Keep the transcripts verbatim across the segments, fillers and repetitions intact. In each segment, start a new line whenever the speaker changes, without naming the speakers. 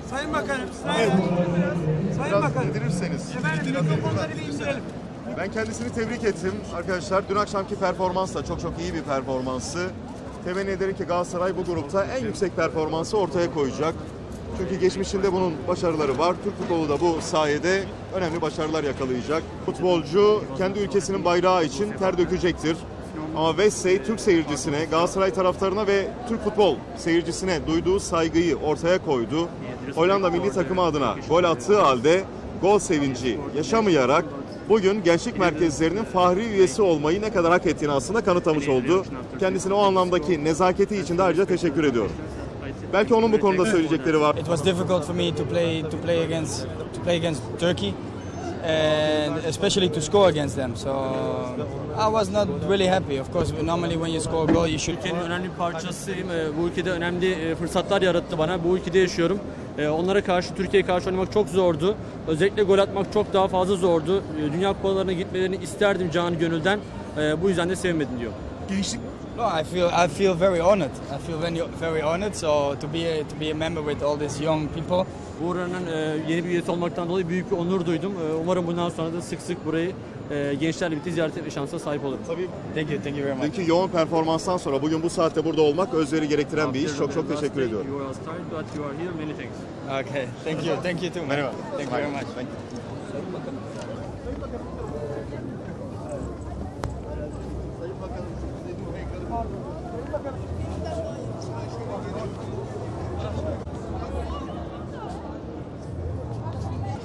Sayın Bakanım, Sayın, Sayın
Biraz
Bakanım.
indirirseniz.
Efendim mikrofonları bir indirelim.
Ben kendisini tebrik ettim arkadaşlar. Dün akşamki performans da çok çok iyi bir performansı. Temenni ederim ki Galatasaray bu grupta en yüksek performansı ortaya koyacak. Çünkü geçmişinde bunun başarıları var. Türk futbolu da bu sayede önemli başarılar yakalayacak. Futbolcu kendi ülkesinin bayrağı için ter dökecektir. Ama Wesley Türk seyircisine, Galatasaray taraftarına ve Türk futbol seyircisine duyduğu saygıyı ortaya koydu. Hollanda milli takımı adına gol attığı halde gol sevinci yaşamayarak bugün gençlik merkezlerinin fahri üyesi olmayı ne kadar hak ettiğini aslında kanıtlamış oldu. Kendisine o anlamdaki nezaketi için de ayrıca teşekkür ediyorum. Belki onun bu konuda söyleyecekleri var.
It was difficult for me to play to play against to play against Turkey, and especially to score against them. So I was not really happy. Of course, normally when you score a goal, you should.
Ülkenin önemli bir parçasıyım. Bu ülkede önemli fırsatlar yarattı bana. Bu ülkede yaşıyorum. Onlara karşı, Türkiye'ye karşı oynamak çok zordu. Özellikle gol atmak çok daha fazla zordu. Dünya kupalarına gitmelerini isterdim canı gönülden. Bu yüzden de sevinmedim diyor.
Gençlik
No, I feel I feel very honored. I feel very very honored. So to be a, to be a member with all these young people.
Buranın yeni bir üyesi olmaktan dolayı büyük bir onur duydum. Umarım bundan sonra da sık sık burayı gençlerle birlikte ziyaret etme şansına sahip olurum.
tabii
Thank you, thank you very much.
dünkü yoğun performanstan sonra bugün bu saatte burada olmak özveri gerektiren bir iş. Çok çok teşekkür ediyorum.
You are started, but you are here. Many thanks.
Okay, thank you, thank you too. man.
Merhaba.
Thank you very much.
Thank you.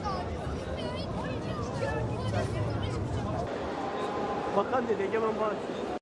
Bakan dedi Egemen Bağış.